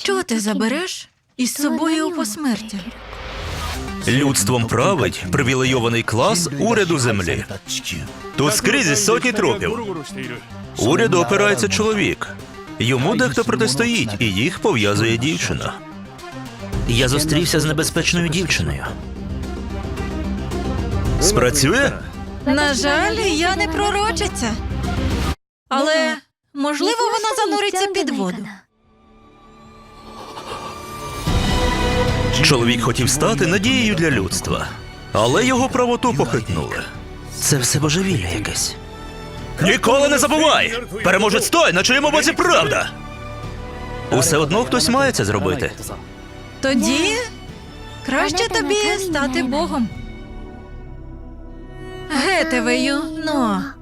Що ти забереш із собою у посмертя? Людством править привілейований клас уряду землі. Тут скрізь сотні трупів. Уряду опирається чоловік. Йому дехто протистоїть, і їх пов'язує дівчина. Я зустрівся з небезпечною дівчиною. Спрацює? На жаль, я не пророчиця. Але, можливо, вона зануриться під воду. Чоловік хотів стати надією для людства, але його правоту похитнули. Це все божевілля якесь. Ніколи не забувай! Переможець той, на чиєму боці правда! Усе одно хтось має це зробити. Тоді краще тобі стати Богом. Гетевею, но.